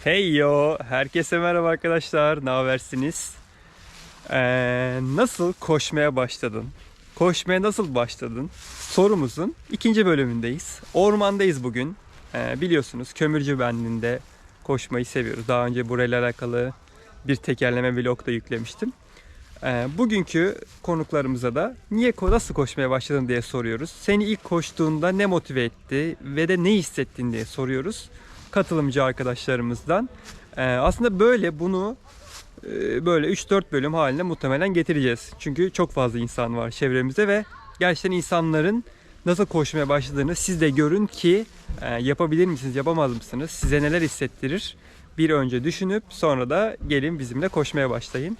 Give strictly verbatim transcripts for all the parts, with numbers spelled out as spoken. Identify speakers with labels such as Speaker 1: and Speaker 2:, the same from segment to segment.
Speaker 1: Hey yo, herkese merhaba arkadaşlar. Ne habersiniz? Ee, nasıl koşmaya başladın? Koşmaya nasıl başladın? Sorumuzun ikinci bölümündeyiz. Ormandayız bugün. Ee, biliyorsunuz Kömürcü Bendi'nde koşmayı seviyoruz. Daha önce burayla alakalı bir tekerleme vlog da yüklemiştim. Ee, bugünkü konuklarımıza da niye nasıl koşmaya başladın diye soruyoruz. Seni ilk koştuğunda ne motive etti ve de ne hissettin diye soruyoruz katılımcı arkadaşlarımızdan. Ee, aslında böyle bunu e, böyle üç dört bölüm haline muhtemelen getireceğiz. Çünkü çok fazla insan var çevremizde ve gerçekten insanların nasıl koşmaya başladığını siz de görün ki e, yapabilir misiniz, yapamaz mısınız? Size neler hissettirir? Bir önce düşünüp sonra da gelin bizimle koşmaya başlayın.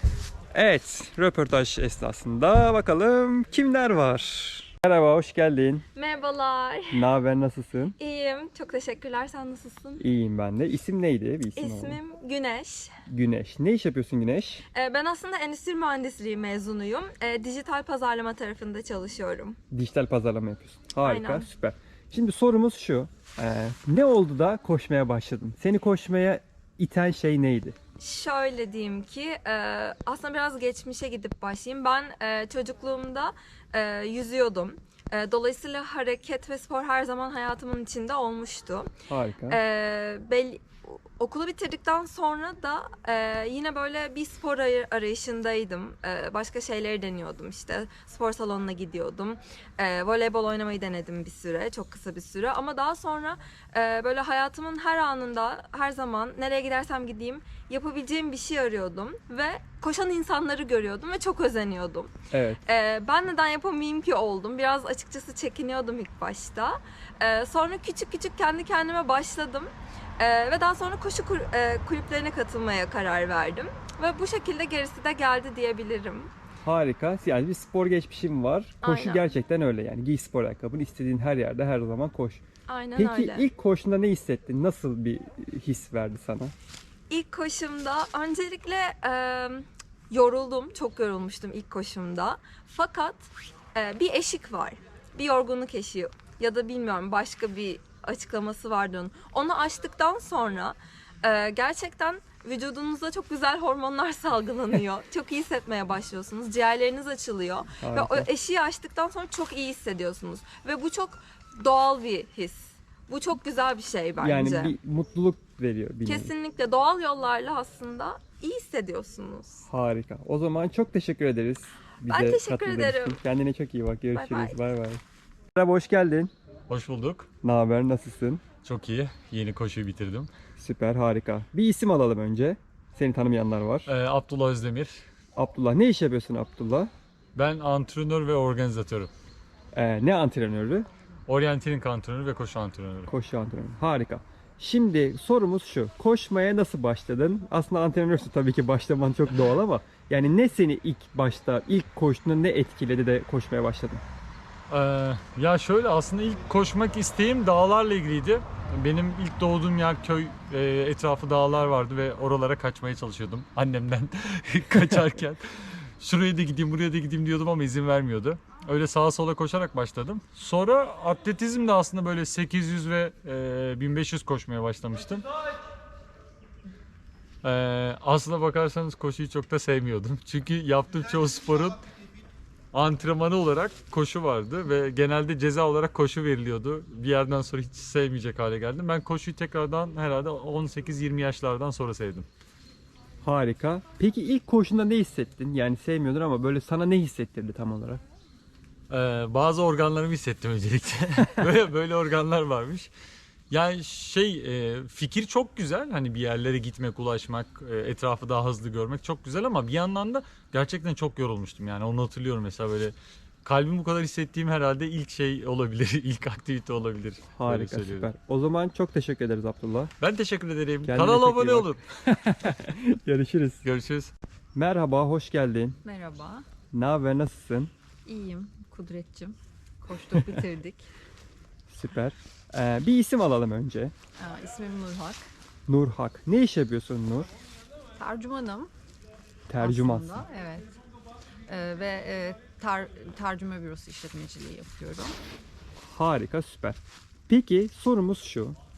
Speaker 1: Evet, röportaj esnasında bakalım kimler var? Merhaba, hoş geldin.
Speaker 2: Merhabalar.
Speaker 1: Ne haber, nasılsın?
Speaker 2: İyiyim. Çok teşekkürler. Sen nasılsın?
Speaker 1: İyiyim ben de. İsim neydi? Bir isim alalım.
Speaker 2: İsmim Güneş.
Speaker 1: Güneş. Ne iş yapıyorsun Güneş?
Speaker 2: Ee, Ben aslında endüstri mühendisliği mezunuyum. Ee, Dijital pazarlama tarafında çalışıyorum.
Speaker 1: Dijital pazarlama yapıyorsun. Harika,
Speaker 2: Aynen.
Speaker 1: süper. Şimdi sorumuz şu. Ee, ne oldu da koşmaya başladın? Seni koşmaya iten şey neydi?
Speaker 2: Şöyle diyeyim ki e, aslında biraz geçmişe gidip başlayayım. Ben e, çocukluğumda e, yüzüyordum. E, Dolayısıyla hareket ve spor her zaman hayatımın içinde olmuştu.
Speaker 1: Harika.
Speaker 2: Ee, belli, okulu bitirdikten sonra da e, yine böyle bir spor aray- arayışındaydım. E, başka şeyleri deniyordum işte. Spor salonuna gidiyordum. E, voleybol oynamayı denedim bir süre, çok kısa bir süre. Ama daha sonra e, böyle hayatımın her anında, her zaman nereye gidersem gideyim yapabileceğim bir şey arıyordum. Ve koşan insanları görüyordum ve çok özeniyordum.
Speaker 1: Evet.
Speaker 2: Ee, ben neden yapamayayım ki oldum. Biraz açıkçası çekiniyordum ilk başta. Ee, sonra küçük küçük kendi kendime başladım. Ee, ve daha sonra koşu kur- e, kulüplerine katılmaya karar verdim. Ve bu şekilde gerisi de geldi diyebilirim.
Speaker 1: Harika. Yani bir spor geçmişim var. Koşu
Speaker 2: Aynen.
Speaker 1: gerçekten öyle yani. Giy spor ayakkabını, istediğin her yerde her zaman koş.
Speaker 2: Aynen
Speaker 1: Peki
Speaker 2: öyle.
Speaker 1: ilk koşunda ne hissettin? Nasıl bir his verdi sana?
Speaker 2: İlk koşumda öncelikle e, yoruldum. Çok yorulmuştum ilk koşumda. Fakat e, bir eşik var. Bir yorgunluk eşiği ya da bilmiyorum başka bir açıklaması vardı onun. Onu aştıktan sonra e, gerçekten vücudunuzda çok güzel hormonlar salgılanıyor. Çok iyi hissetmeye başlıyorsunuz. Ciğerleriniz açılıyor. Ve o
Speaker 1: Harika.
Speaker 2: eşiği aştıktan sonra çok iyi hissediyorsunuz. Ve bu çok doğal bir his. Bu çok güzel bir şey bence.
Speaker 1: Yani bir mutluluk veriyor. Bir nevi.
Speaker 2: Kesinlikle doğal yollarla aslında iyi hissediyorsunuz.
Speaker 1: Harika. O zaman çok teşekkür ederiz. Bize
Speaker 2: Ben teşekkür
Speaker 1: katıldığın
Speaker 2: ederim.
Speaker 1: için. Kendine çok iyi bak. Görüşürüz.
Speaker 2: Bay
Speaker 1: Bay bay. Merhaba, hoş geldin.
Speaker 3: Hoş bulduk.
Speaker 1: Ne haber? Nasılsın?
Speaker 3: Çok iyi. Yeni koşuyu bitirdim.
Speaker 1: Süper, harika. Bir isim alalım önce. Seni tanımayanlar var.
Speaker 3: Ee, Abdullah Özdemir.
Speaker 1: Abdullah. Ne iş yapıyorsun Abdullah?
Speaker 3: Ben antrenör ve organizatörüm.
Speaker 1: Ee, ne antrenörü?
Speaker 3: Orienteering antrenörü ve koşu antrenörü.
Speaker 1: Koşu antrenörü. Harika. Şimdi sorumuz şu. Koşmaya nasıl başladın? Aslında antrenörsün, tabii ki başlaman çok doğal ama yani ne seni ilk başta, ilk koştuğunda ne etkiledi de koşmaya başladın?
Speaker 3: Ee, ya şöyle aslında ilk koşmak isteğim dağlarla ilgiliydi. Benim ilk doğduğum yer köy, e, etrafı dağlar vardı ve oralara kaçmaya çalışıyordum annemden kaçarken. Şuraya da gideyim, buraya da gideyim diyordum ama izin vermiyordu. Öyle sağa sola koşarak başladım. Sonra atletizm de aslında böyle sekiz yüz ve e, bin beş yüz koşmaya başlamıştım. Ee, aslına bakarsanız koşuyu çok da sevmiyordum. Çünkü yaptığım çoğu sporun antrenmanı olarak koşu vardı ve genelde ceza olarak koşu veriliyordu. Bir yerden sonra hiç sevmeyecek hale geldim. Ben koşuyu tekrardan herhalde on sekiz yirmi yaşlardan sonra sevdim.
Speaker 1: Harika. Peki ilk koşunda ne hissettin? Yani sevmiyordun ama böyle sana ne hissettirdi tam olarak?
Speaker 3: Ee, bazı organlarımı hissettim öncelikle. böyle böyle organlar varmış. Yani şey e, fikir çok güzel. Hani bir yerlere gitmek, ulaşmak, e, etrafı daha hızlı görmek çok güzel ama bir yandan da gerçekten çok yorulmuştum. Yani onu hatırlıyorum mesela böyle kalbim bu kadar hissettiğim herhalde ilk şey olabilir. İlk aktivite olabilir. Böyle
Speaker 1: Harika,
Speaker 3: söylüyorum.
Speaker 1: süper. O zaman çok teşekkür ederiz Abdullah.
Speaker 3: Ben teşekkür ederim.
Speaker 1: Kendine
Speaker 3: Kanala
Speaker 1: çok iyi
Speaker 3: abone
Speaker 1: bak.
Speaker 3: olun.
Speaker 1: Görüşürüz.
Speaker 3: Görüşürüz.
Speaker 1: Merhaba, hoş geldin.
Speaker 4: Merhaba,
Speaker 1: Ne haber, nasılsın?
Speaker 4: iyiyim Kudretçim. Koştuk bitirdik.
Speaker 1: Süper. Ee, bir isim alalım önce.
Speaker 4: Aa, ismim Nurhak.
Speaker 1: Nurhak. Ne iş yapıyorsun Nur?
Speaker 4: Tercümanım
Speaker 1: Tercümansın.
Speaker 4: aslında, evet. Ee, ve e, ter, tercüme bürosu işletmeciliği yapıyorum.
Speaker 1: Harika, süper. Peki sorumuz şu.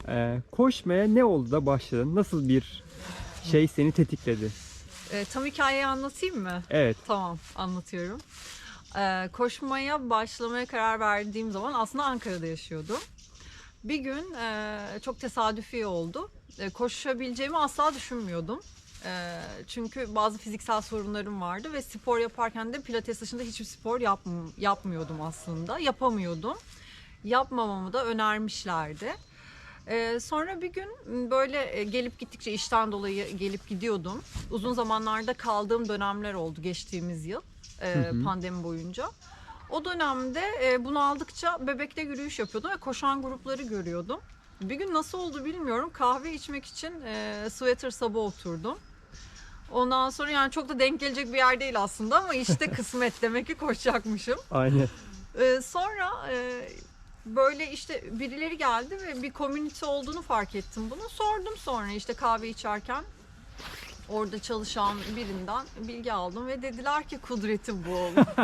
Speaker 1: Ee, koşmaya ne oldu da başladın? Nasıl bir şey seni tetikledi?
Speaker 4: E, tam hikayeyi anlatayım mı?
Speaker 1: Evet.
Speaker 4: Tamam, anlatıyorum. E, koşmaya başlamaya karar verdiğim zaman aslında Ankara'da yaşıyordum. Bir gün e, çok tesadüfi oldu. E, koşabileceğimi asla düşünmüyordum. E, çünkü bazı fiziksel sorunlarım vardı ve spor yaparken de pilates dışında hiçbir spor yap, yapmıyordum aslında. Yapamıyordum. Yapmamamı da önermişlerdi. Ee, sonra bir gün böyle gelip gittikçe işten dolayı gelip gidiyordum. Uzun zamanlarda kaldığım dönemler oldu geçtiğimiz yıl e,
Speaker 1: Hı hı.
Speaker 4: pandemi boyunca. O dönemde e, bunu aldıkça Bebek'te yürüyüş yapıyordum ve koşan grupları görüyordum. Bir gün nasıl oldu bilmiyorum, kahve içmek için e, Sweater Sab'a oturdum. Ondan sonra yani çok da denk gelecek bir yer değil aslında ama işte kısmet, demek ki koşacakmışım.
Speaker 1: Aynen.
Speaker 4: Ee, sonra e, böyle işte birileri geldi ve bir community olduğunu fark ettim bunu. Sordum sonra işte kahve içerken orada çalışan birinden bilgi aldım ve dediler ki kudreti bu.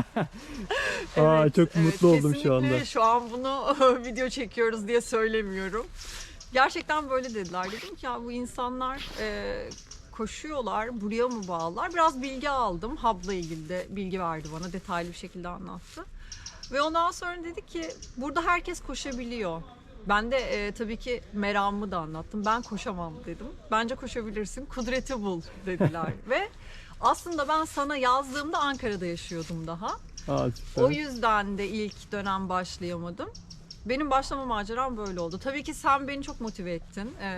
Speaker 1: Aa, çok mutlu oldum şu anda.
Speaker 4: Kesinlikle şu an bunu video çekiyoruz diye söylemiyorum. Gerçekten böyle dediler. Dedim ki ya bu insanlar e, koşuyorlar, buraya mı bağlılar? Biraz bilgi aldım. Hub'la ilgili de bilgi verdi bana, detaylı bir şekilde anlattı. Ve ondan sonra dedi ki burada herkes koşabiliyor. Ben de e, tabii ki meramımı da anlattım. Ben koşamam dedim. Bence koşabilirsin. Kudreti bul dediler. Ve aslında ben sana yazdığımda Ankara'da yaşıyordum daha.
Speaker 1: Aa, süper.
Speaker 4: O yüzden de ilk dönem başlayamadım. Benim başlama maceram böyle oldu. Tabii ki sen beni çok motive ettin e,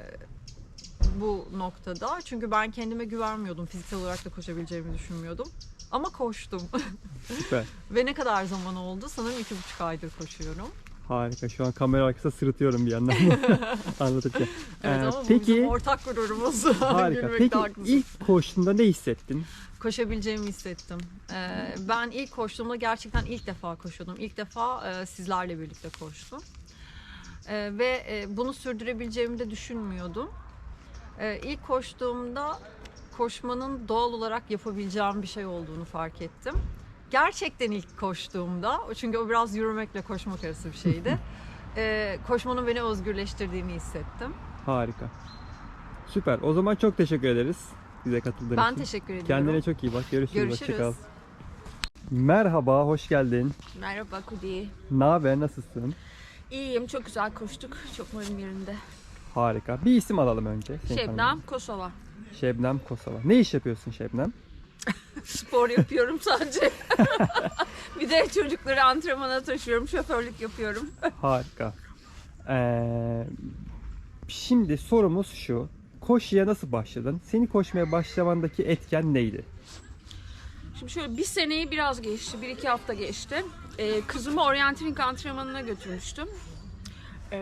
Speaker 4: bu noktada. Çünkü ben kendime güvenmiyordum. Fiziksel olarak da koşabileceğimi düşünmüyordum. Ama koştum.
Speaker 1: Süper.
Speaker 4: Ve ne kadar zaman oldu? Sanırım iki buçuk aydır koşuyorum.
Speaker 1: Harika. Şu an kamera arkasında sırıtıyorum bir yandan anlatırken.
Speaker 4: Evet
Speaker 1: Ee,
Speaker 4: ama bu
Speaker 1: peki
Speaker 4: bizim ortak gururumuz.
Speaker 1: harika.
Speaker 4: Gülmekte
Speaker 1: Peki
Speaker 4: haklısın.
Speaker 1: ilk koştuğunda ne hissettin?
Speaker 4: Koşabileceğimi hissettim. Ee, ben ilk koştuğumda gerçekten ilk defa koşuyordum. İlk defa e, sizlerle birlikte koştum. Ee, ve e, bunu sürdürebileceğimi de düşünmüyordum. Ee, ilk koştuğumda koşmanın doğal olarak yapabileceğim bir şey olduğunu fark ettim. Gerçekten ilk koştuğumda, çünkü o biraz yürümekle koşmak arası bir şeydi. e, koşmanın beni özgürleştirdiğini hissettim.
Speaker 1: Harika. Süper. O zaman çok teşekkür ederiz bize katıldığın
Speaker 4: Ben
Speaker 1: için.
Speaker 4: teşekkür ediyorum.
Speaker 1: Kendine çok iyi bak. Görüşürüz.
Speaker 4: Görüşürüz.
Speaker 1: Hoşça kal. Merhaba, hoş geldin.
Speaker 5: Merhaba Kudi.
Speaker 1: Ne haber, nasılsın?
Speaker 5: İyiyim, çok güzel koştuk. Çok moralim yerinde.
Speaker 1: Harika. Bir isim alalım önce. Seni
Speaker 5: Şebnem,
Speaker 1: tanıyalım.
Speaker 5: Kosova.
Speaker 1: Şebnem Kosova. Ne iş yapıyorsun Şebnem?
Speaker 5: Spor yapıyorum sadece. Bir de çocukları antrenmana taşıyorum, şoförlük yapıyorum.
Speaker 1: Harika. Ee, şimdi sorumuz şu. Koşuya nasıl başladın? Seni koşmaya başlamandaki etken neydi?
Speaker 5: Şimdi şöyle bir seneyi biraz geçti, bir iki hafta geçti. Ee, kızımı orienteering antrenmanına götürmüştüm. Ee,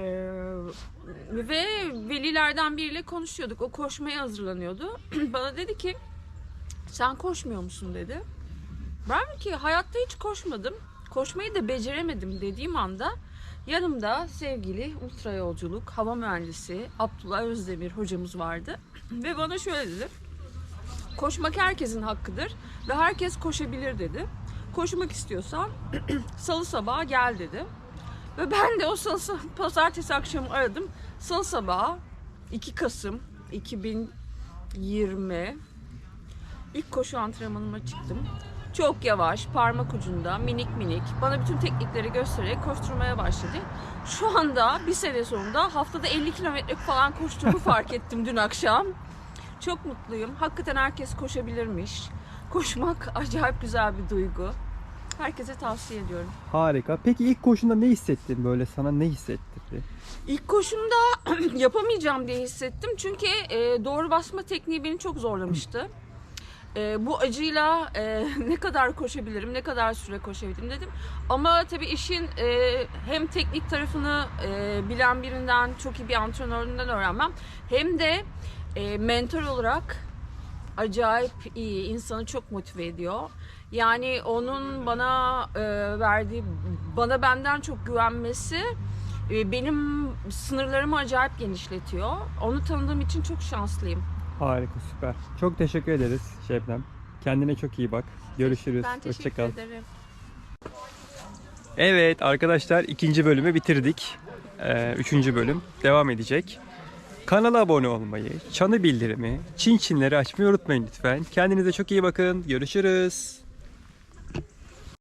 Speaker 5: ve velilerden biriyle konuşuyorduk. O koşmaya hazırlanıyordu. Bana dedi ki, sen koşmuyor musun dedi. Ben ki hayatta hiç koşmadım. Koşmayı da beceremedim dediğim anda yanımda sevgili ultra yolculuk hava mühendisi Abdullah Özdemir hocamız vardı. Ve bana şöyle dedi. Koşmak herkesin hakkıdır ve herkes koşabilir dedi. Koşmak istiyorsan salı sabahı gel dedi. Ve ben de o salı sabahı, pazartesi akşamı aradım. Salı sabahı iki Kasım iki bin yirmi ilk koşu antrenmanıma çıktım. Çok yavaş, parmak ucunda, minik minik bana bütün teknikleri göstererek koşturmaya başladı. Şu anda bir sene sonunda haftada elli kilometre falan koştuğumu fark ettim dün akşam. Çok mutluyum. Hakikaten herkes koşabilirmiş. Koşmak acayip güzel bir duygu. Herkese tavsiye ediyorum.
Speaker 1: Harika. Peki ilk koşunda ne hissettin böyle? Sana ne hissettirdi?
Speaker 5: İlk koşumda yapamayacağım diye hissettim. Çünkü e, doğru basma tekniği beni çok zorlamıştı. E, bu acıyla e, ne kadar koşabilirim, ne kadar süre koşabilirim dedim. Ama tabii işin e, hem teknik tarafını e, bilen birinden, çok iyi bir antrenöründen öğrenmem. Hem de e, mentor olarak acayip iyi, insanı çok motive ediyor. Yani onun bana e, verdiği, bana benden çok güvenmesi e, benim sınırlarımı acayip genişletiyor. Onu tanıdığım için çok şanslıyım.
Speaker 1: Harika, süper. Çok teşekkür ederiz Şebnem. Kendine çok iyi bak. Görüşürüz.
Speaker 5: Ben teşekkür
Speaker 1: Hoşça kal.
Speaker 5: ederim.
Speaker 1: Evet arkadaşlar, ikinci bölümü bitirdik. Ee, üçüncü bölüm devam edecek. Kanala abone olmayı, çanı bildirimi, çin çinleri açmayı unutmayın lütfen. Kendinize çok iyi bakın. Görüşürüz.